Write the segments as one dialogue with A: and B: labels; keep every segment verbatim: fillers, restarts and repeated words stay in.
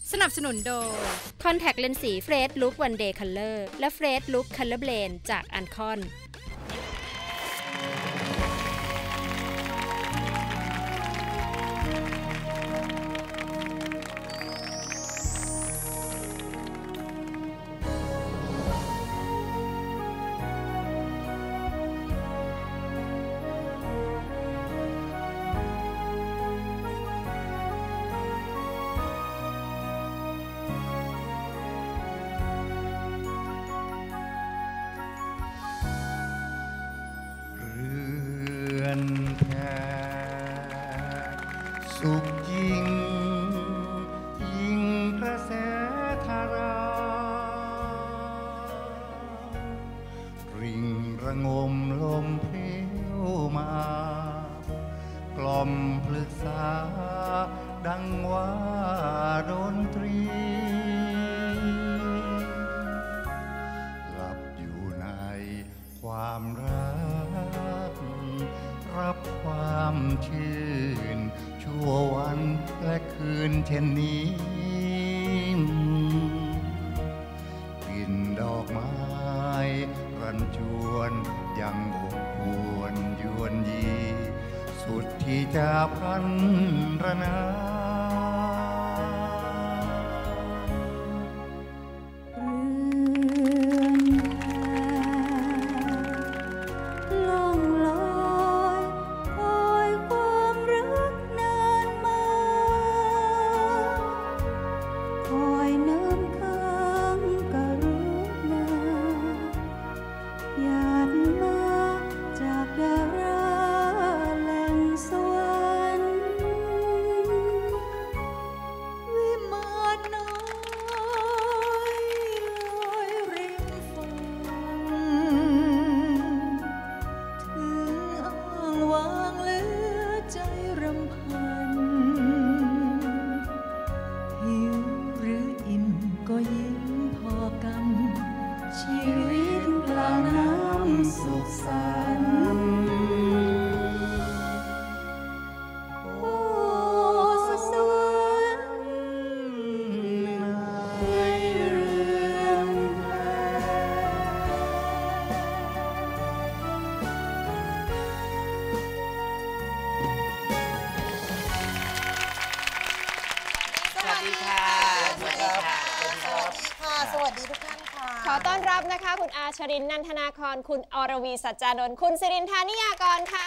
A: สนับสนุนโดย Contact Lens สี Fresh Look One Day Color และ Fresh Look Color Blend จาก Ancon
B: สุขยิ่งยิ่งกระแสธาราริ่งระงมลมเพลี้ยวมากล่อมปรึกษาดังว่าดนตรีหลับอยู่ในความรักรับความชื่นชั่ววันและคืนเช่นนี้กลิ่นดอกไม้รันจวนยังอบอวนยวนยีสุดที่จะพันรนา
C: คุณอาชรินทร์ นันทนาครคุณอรวีสัจจานนท์คุณสิรินทานิยากรค่ะ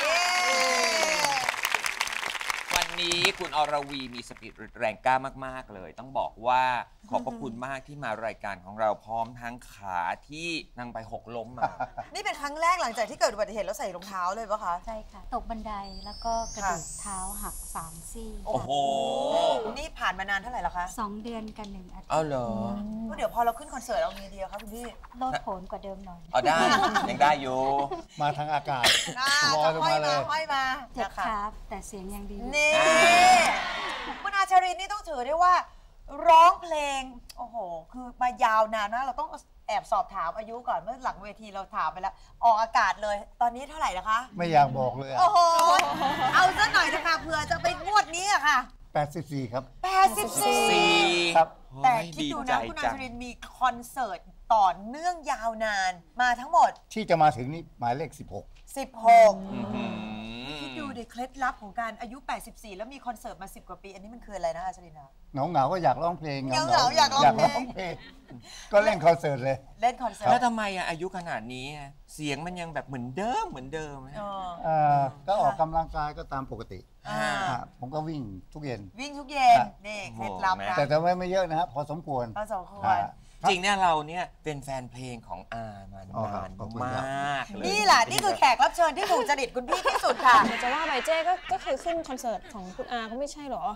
D: วันนี้คุณอรวีมีสปิริตแรงกล้ามากๆเลยต้องบอกว่าขอบพระคุณมากที่มารายการของเราพร้อมทั้งขาที่นั่งไปหกล้มมา
E: นี่เป็นครั้งแรกหลังจากที่เกิดอุบัติเหตุแล้วใส่รองเท้าเลยปะคะ
F: ใช่ค่ะตกบันไดแล้วก็กระดูกเท้าหักสามซี่
D: โอ้โห
E: นี่ผ่านมานานเท่าไหร่แล้วคะ
F: สองเดือนกันหนึ่งอาทิตย์
D: อ้าวเหรอ
E: เดี๋ยวพอเราขึ้นคอนเสิร์ตเอาไงดีคะคุณพี่
F: โลดโผนกว่าเดิมหน่อย
D: อ๋อได้ยังได้อยู่
B: มาทางอากาศ
E: ลอยลงมาเลยห้อยมา
F: เจ็บครับแต่เสียงยังดี
E: นี่คุณอาชรินนี่ต้องถือได้ว่าร้องเพลงโอ้โหคือมายาวนานนะเราต้องแอบสอบถามอายุก่อนเมื่อหลังเวทีเราถามไปแล้วออกอากาศเลยตอนนี้เท่าไหร่นะคะ
B: ไม่อยากบอกเลย
E: โอ้โหเอาซะหน่อยนะคะเผื่อจะไปงวดนี้อะค่ะ
B: แปดสิบสี่ครับ
E: แปดสิบสี่
B: ครับ
E: แต่คิดดูนะคุณอาชรินมีคอนเสิร์ตต่อเนื่องยาวนานมาทั้งหมด
B: ที่จะมาถึงนี่หมายเลขสิบหก
E: สิบหกคิดดูดิเคล็ดลับของการอายุแปดสิบสี่แล้วมีคอนเสิร์ตมาสิบกว่าปีอันนี้มันคืออะไรนะอาชรินนะ
B: เหงาเหงาก็อยากร้องเพลง
E: เหงาเหงาอยากร้องเพลง
B: ก็เล่นคอนเสิร์ตเลย
E: เล่นคอนเสิร์ต
D: แล้วทำไมอะอายุขนาดนี้เสียงมันยังแบบเหมือนเดิมเหมือนเดิม
B: ก็ออกกำลังกายก็ตามปกติผมก็วิ่งทุกเย็น
E: วิ่งทุกเย็นนี่เคล็ดลับนะ
B: แต่แต่ไม่ไม่เยอะนะครับพอสมควร
E: พอสมควร
D: จริงเนี่ยเราเนี่ยเป็นแฟนเพลงของอามานานมากเลย
E: นี่แหละนี่คือแขกรับเชิญที่ถูกจริตคุณพี่ที่สุดค่ะ
C: จะว่าไปเจ๊ก็ก็เคยขึ้นคอนเสิร์ตของคุณอาก็ไม่ใช่หรอ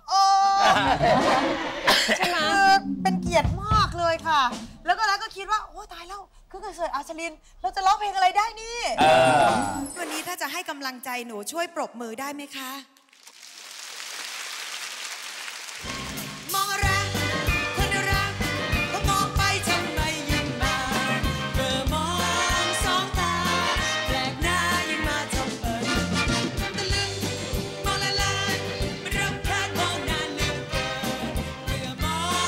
E: ใช่ไหมเป็นเกียรติมากเลยค่ะแล้วก็แล้วก็คิดว่าโอ้ตายแล้วขึ้นคอนเสิร์ตอาชรินเราจะร้องเพลงอะไรได้นี่วันนี้ถ้าจะให้กำลังใจหนูช่วยปรบมือได้ไหมคะมองรักคนรักก็มองไปทำไมยิ่งมาเมื่อมองสองตาแปลกหน้ายิ่งมาทำเปิดตะลึงมองละลายมันรำคาญมองนานเหลือเกินเมื่อมอง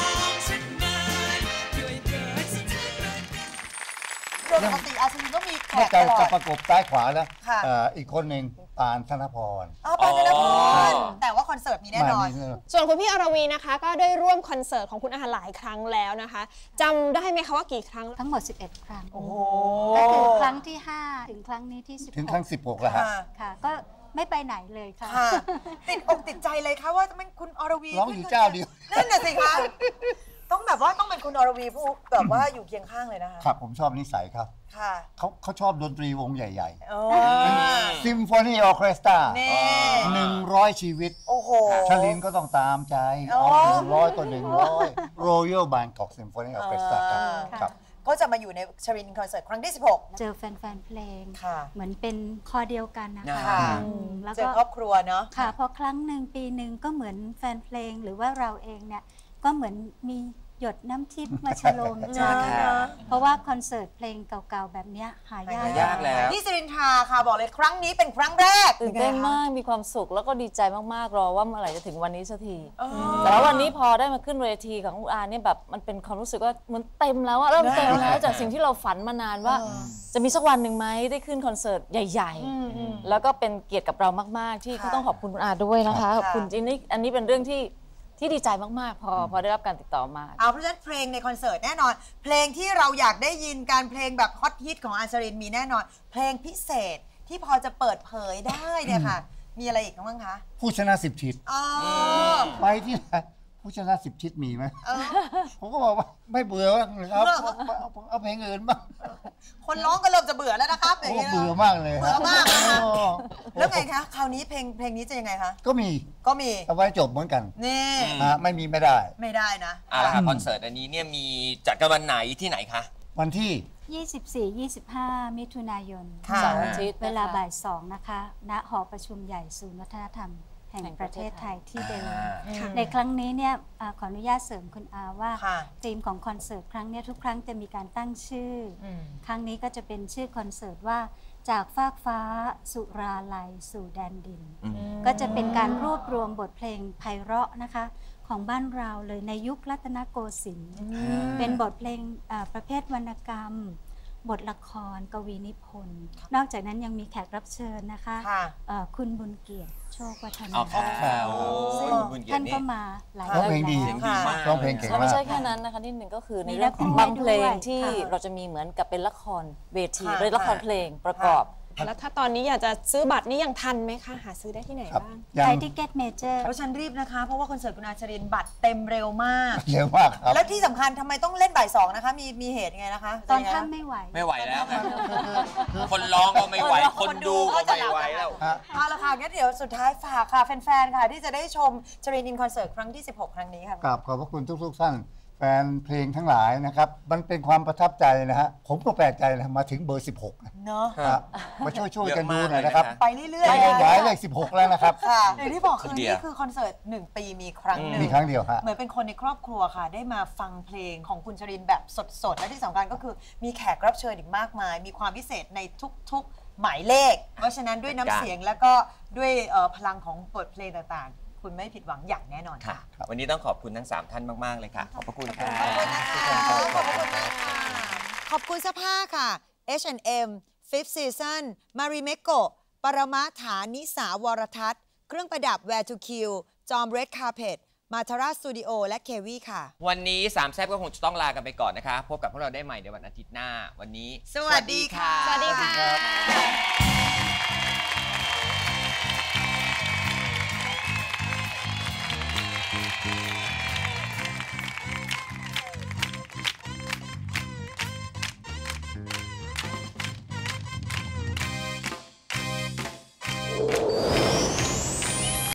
G: ดยปกติอาชลินก็มีแขกต
B: จะ
G: ลอ
B: จะ
G: ด
B: ประกบซ้ายขวาแล้ว
G: ค่ะ
B: เอ่ออีกคนหนึ่งปานธนพร
G: อ๋อปานธนพ
D: อ๋
G: ร
D: อ
G: แต่ว่าคอนเสิร์ตมีแน่นอน
B: มา
C: ส่วนคุณพี่อรวีนะคะ ก็ได้ร่วมคอนเสิร์ตของคุณอาหลายครั้งแล้วนะคะจำได้ไหมคะว่ากี่ครั้ง
F: ทั้งหมด สิบเอ็ด ครั้ง
G: โอ้โห
F: ก็คือครั้งที่ ห้า ถึงครั้งนี้ที่ สิบหก
B: ถึงครั้งสิบหกแล้วฮะ
G: ค่ะ
F: ค่ะ ก็ไม่ไปไหนเลยค่ะ
G: ค่ะ ติดอกติดใจเลยค่ะว่าจะเป็นคุณอรวี
B: ร้องอยู่เจ้าเดียว
G: นั่นน่ะสิคะ ต้องแบบว่าต้องเป็นคุณอรวีผู้แบบว่าอยู่เคียงข้างเลยนะคะ
B: ครับผมชอบนิสัยครับ
G: ค่ะ
B: เขาเขาชอบดนตรีวงใหญ่
G: โอ้
B: ๆซิมโฟนีออร์เคสตรา
G: นี่
B: หนึ่งร้อยชีวิต
G: โอ้โห
B: ชลินก็ต้องตามใจ
G: โอ้
B: เอาหนึ่งร้อยต่อหนึ่งร้อย Royal Bangkok Symphony Orchestra ครับ
G: อ่า
B: ครับ
G: ก็จะมาอยู่ในชรินคอนเสิร์ตครั้งที่ สิบหก
F: เจอแฟนๆ เพลง
G: ค่ะ
F: เหมือนเป็นคอเดียวกันนะคะ
G: ค่ะ
F: อืมแล้ว
G: เจอ
F: ก็
G: ครอบครัวเนาะ
F: ค่ะพอครั้งหนึ่งปีหนึ่งก็เหมือนแฟนเพลงหรือว่าเราเองเนี่ยก็เหมือนมีหยดน้ำทิพย์มาฉโลมใจ
G: ค่ะ
F: เพราะว่าคอนเสิร์ตเพลงเก่าๆ แบบเนี้ยหายาก
D: หายากแล้ว
G: พี่สิรินทราค่ะบอกเลยครั้งนี้เป็นครั้งแรก
H: ตื่นเต้น
G: ยังไงคะ
H: มากมีความสุขแล้วก็ดีใจมากๆรอว่าเมื่อไหร่จะถึงวันนี้สักที
G: อ๋อ
H: แต่ว่าวันนี้พอได้มาขึ้นเวทีของคุณอาเนี่ยแบบมันเป็นความรู้สึกว่าเหมือนเต็มแล้วอะเริ่มเต็มแล้วจากสิ่งที่เราฝันมานานว่า จะมีสักวันหนึ่งไหมได้ขึ้นคอนเสิร์ตใหญ่ ๆ แล้วก็เป็นเกียรติกับเรามากๆ ที่ก็ต้องขอบคุณคุณอาด้วยนะคะขอบคุณจริงๆอันนี้เป็นเรื่องที่ที่ดีใจมากๆ พอพอได้รับการติดต่อมา
G: เอาเพราะฉะนั้นเพลงในคอนเสิร์ตแน่นอน เพลงที่เราอยากได้ยินการเพลงแบบฮอตฮิตของอาชรินมีแน่นอน เพลงพิเศษที่พอจะเปิดเผยได้เนี่ยค่ะ มีอะไรอีกบ้างคะ
B: ผู้ชนะสิบทิศ
G: อ๋อ
B: ไปที่ไหนผู้ชนะสิบทิศมีไหม
G: เออ
B: ผมก็บอกว่าไม่เบื่อบ้างเลยครับเอาเอาเอาเพลงอื่นบ้าง
G: คนร้องก็เริ่มจะเบื่อแล้วนะครับอย่าง
B: โอ้
G: นี้นะ
B: เบื่อมากเลย
G: เบื่อมากนะคะ
B: โอ้
G: แล้วไงคะคราวนี้เพลงเพลงนี้จะยังไงคะ
B: ก็มี
G: ก็มี
B: เอาไว้จบเหมือนกัน
G: นี่
B: ฮะไม่มีไม่ได้
G: ไม่ได้นะ
D: เอาละค่ะคอนเสิร์ตอันนี้เนี่ยมีจัดกันวันไหนที่ไหนคะ
B: วันที่
F: ยี่สิบสี่ ยี่สิบห้า มิถุนายน
G: ค่ะ
H: เสาร์อาทิตย์
F: เวลา
H: นะคะ
F: บ่ายสองนะคะ ณ หอประชุมใหญ่ศูนย์วัฒนธรรมแห่งประเทศไทยที่เดิม
G: ค่ะ
F: ในครั้งนี้เนี่ยอ่าขออนุญาตเสริมคุณอาว่า
G: ค่ะ
F: ธีมของคอนเสิร์ตครั้งเนี้ยทุกครั้งจะมีการตั้งชื่ออ
G: ม
F: ครั้งนี้ก็จะเป็นชื่อคอนเสิร์ตว่าจากฟากฟ้าสุราลัยสู่แดนดิน ก็จะเป็นการรวบรวมบทเพลงไพเราะนะคะของบ้านเราเลยในยุครัตนโกสินทร์เป็นบทเพลงอ่าประเภทวรรณกรรม บทละครกวีนิพนธ์นอกจากนั้นยังมีแขกรับเชิญนะคะ
G: ค่ะ
F: เอ่อคุณบุญเกียรติโชควัฒนา
D: เอาค่ะโอ้
F: ซึ่ง
D: คุณบุญเกียร
F: ท่าน
D: ตินี่
F: ก็มาหลาย
B: ร้องเพลงดี
F: แล้ว
D: ดีมาก
B: ร้องเพลงเก่ง
H: แล้ว
B: มา
H: ไม่
B: ก
H: ใช่แค่นั้นนะคะนิดหนึ่งก็คือใน
F: มี
H: เรื่องของ
F: ละคร
H: บางเพลง
F: ด้วย
H: ที่
F: ค่ะ
H: เราจะมีเหมือนกับเป็นละครเวที
G: ค่ะ
H: หรือละครเพลงประกอบ
C: แล้วถ้าตอนนี้อยากจะซื้อบัตรนี่ยังทันไหมคะ หาซื้อได้ที่ไหน
B: ครับ
C: บ้าง
B: ยั
F: ไท
B: ง
F: ยทิเก็ตเมเจอร์
G: เพราะฉันรีบนะคะ เพราะว่าคอนเสิร์ตคุณอาชรินบัตรเต็มเร็วมาก
B: เร็วมากครับ
G: แล้วที่สำคัญทำไมต้องเล่นบ่ายสองนะคะ มีมีเหตุยังไงนะคะ
F: ตอน
G: จะยังไง
F: ค่ำไม่ไหว
D: ไม่ไหวแล้วค่ะคนร้องก็ไม่ไหว คนดูก็ไม่ไหวแล้ว
B: ฮะ
G: เอาละค่ะงั้นเดี๋ยวสุดท้ายฝากค่ะ แฟนๆ ค่ะ ที่จะได้ชมชรินอินคอนเสิร์ตครั้งที่ สิบหก ครั้งนี้ค่ะ
B: กราบขอบพระคุณทุกๆท่านแฟนเพลงทั้งหลายนะครับ มันเป็นความประทับใจนะฮะ ผมก็แปลกใจนะมาถึงเบอร์ สิบหกนะ
G: เนาะ
B: ฮะมาช่วยๆกันดูหน่อยนะครับ
G: ไปเรื่อย
B: ไป
G: ๆ
B: ขยายเลขสิบหกแล้วนะครับ
G: ค่ะอย่างที่บอกคือ
D: เดียว
G: นี่คือคอนเสิร์ตหนึ่งปีมีครั้งหนึ่ง
B: มีครั้งเดียวฮะ
G: เหมือนเป็นคนในครอบครัวค่ะ ได้มาฟังเพลงของคุณชรินแบบสดๆ และที่สำคัญก็คือมีแขกรับเชิญอีกมากมาย มีความพิเศษในทุกๆหมายเลข เพราะฉะนั้นด้วยน้ำเสียงแล้วก็ด้วยเอ่อพลังของบทเพลงต่างๆ คุณไม่ผิดหวังอย่างแน่นอน
D: ค่ะ
G: ค่ะ
D: วันนี้ต้องขอบคุณทั้งสามท่านมาก ๆ เลยค่ะ ขอบพระคุณค่ะ
G: ขอบคุณนะคะขอบคุณมากค่ะขอบคุณเสื้อผ้าค่ะ เอช แอนด์ เอ็ม Fifth Season Marimekko ปรมาฐานิสาวรทัศน์ เครื่องประดับ Wear to Kill จอม Red Carpet มาทาราสตูดิโอและเควีค่ะ
D: วันนี้สามแซ่บก็คงจะต้องลากันไปก่อนนะคะ พบกับพวกเราได้ใหม่ในวันอาทิตย์หน้า วันนี้
G: สวัสดีค่ะ
C: สวัสดีค่ะ